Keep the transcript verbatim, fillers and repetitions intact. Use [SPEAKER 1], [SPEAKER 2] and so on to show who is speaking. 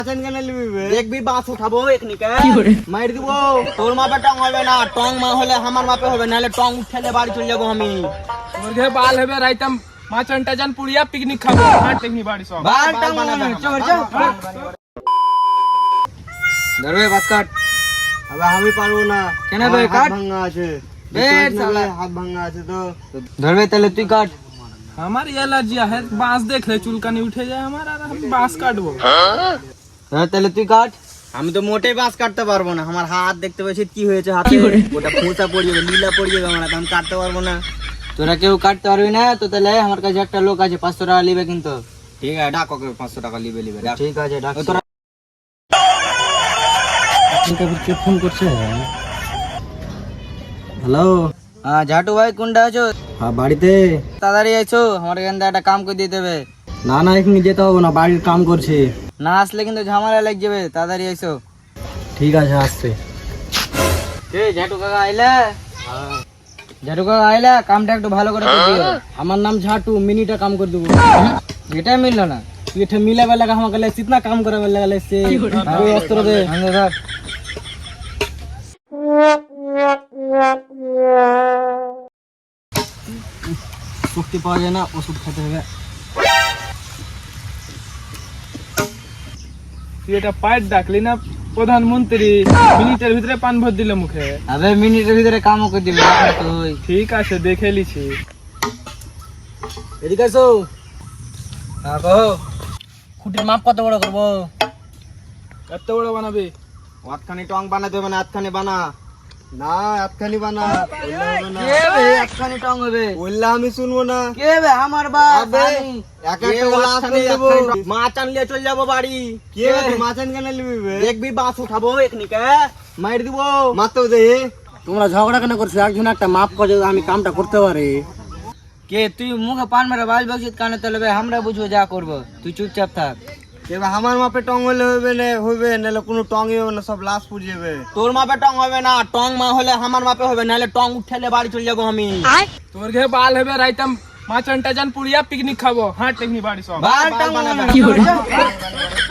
[SPEAKER 1] দেখবি বাস উঠাবো এখনিকে মার দিব। তোর মাপে টং হবে না, টং মা হলে আমার মাপে হবে, নাহলে টং উঠেলে বাড়ি চলে যাবো আমি।
[SPEAKER 2] তোর ঘে বাল হবে রাইতাম মাছন টাজান পুড়িয়া পিকনিক খাবো হাট টেকনি বাড়ি সব
[SPEAKER 1] বাল টং বানাবে চল চল ধরবে বাস কাট। আবে আমি পারবো না। কেন বে কাট? ভাঙা আছে বে সালা, হাত ভাঙা আছে তো। ধরবে তাহলে তুই কাট।
[SPEAKER 2] আমার এলার্জি है बांस देख ले चुलकानी उठे जाए हमार আর আমি बांस কাটবো।
[SPEAKER 1] হ্যাঁ তাহলে তুই কাট। আমি তো মোটেই বাঁশ কাটতে পারবো না, আমার হাত দেখতে পাচ্ছিস কি হয়েছে হাতে, ওটা ফোঁচা পড়ে যাবে, লীলা পড়ে যাবে, আমার আমি কাটতে পারবো না। তোরা কেউ কাটতে পারবি না তো তাহলে আমার কাছে একটা লোক আছে, পাঁচশো টাকা নিবে কিন্তু। ঠিক আছে ডাক ওকে, পাঁচশো টাকা নিবে নিবে। ঠিক আছে ডাক। তোরা কে ফোন করছে? হ্যালো, হ্যাঁ ঝাটু ভাই কোনটা আছো? হ্যাঁ বাড়িতে। তাড়াতাড়ি আইছো, আমার এখান থেকে একটা কাম করে দিতে হবে। না না এখানে যেতে হবে না, বাড়ির কাম করছি। না আসলে কিন্তু ঝামেলা লেগে যাবে, তাড়াতাড়ি আইসো। ঠিক আছে আসছে। এ ঝাটু কাকা আইলা? ঝাটু কাকা আইলা, কামটা একটু ভালো করে করে দিও। আমার নাম ঝাটু, মিনিটে কাম করে দেবো। এটা মিললো না, তুই এটা মিলাবে লাগা আমাকে লাগে, কিতনা কাম करावे लगा से। আরে অস্ত্র দে। হ্যাঁ ধর। শক্তি পাওয়া যায় না, ওষুধ খেতে হবে।
[SPEAKER 2] তুই এটা পাইট ডাকলি না প্রধানমন্ত্রী, মিনিটের ভিতরে পান ভর দিলে মুখে।
[SPEAKER 1] আবে মিনিটের ভিতরে কামও করে দিবি তুই।
[SPEAKER 2] ঠিক আছে দেখে লিছি।
[SPEAKER 1] এদিকে আসো। হ্যাঁ কহো। খুঁটির মাপ কত বড় করবো?
[SPEAKER 2] এত বড় বানাবি?
[SPEAKER 1] আটখানি টং বানাতে হবে না, আটখানি বানা না, আটখানি বানা। কে বে আটখানি টং হবে? বললে আমি শুনবো না। কে বে আমার বাপ? এক একটা গ্লাস দেব, মাছ আনলে চলে যাবো বাড়ি। কে বে মাছ আন কেন নিবি? দেখবি বাস উঠাবো এখনিকে মার দিব। মারতেও দে। তোমরা ঝগড়া কেন করছো? একজন একটা মাপ করে আমি কামটা করতে পারি। কে তুই মুখে পান মেরে বাল বকছিস কানে তলবে, আমরা বুঝবো যা করবো, তুই চুপচাপ থাক। এবার আমার মাপে টং হলে হবে না, হবে নাহলে কোনো টংই হবে না, সব লাশ পুড়ে যাবে। তোর মাপে টং হবে না, টং মা হলে আমার মাপে হবে, নাহলে টং উঠেলে বাড়ি চলে যাবো আমি।
[SPEAKER 2] তোর ঘে বাল হবে রাইতাম মাছন টাজান পুড়িয়া পিকনিক খাবো হাট টেকনি বাড়ি সব
[SPEAKER 1] বাল টং বানাবে।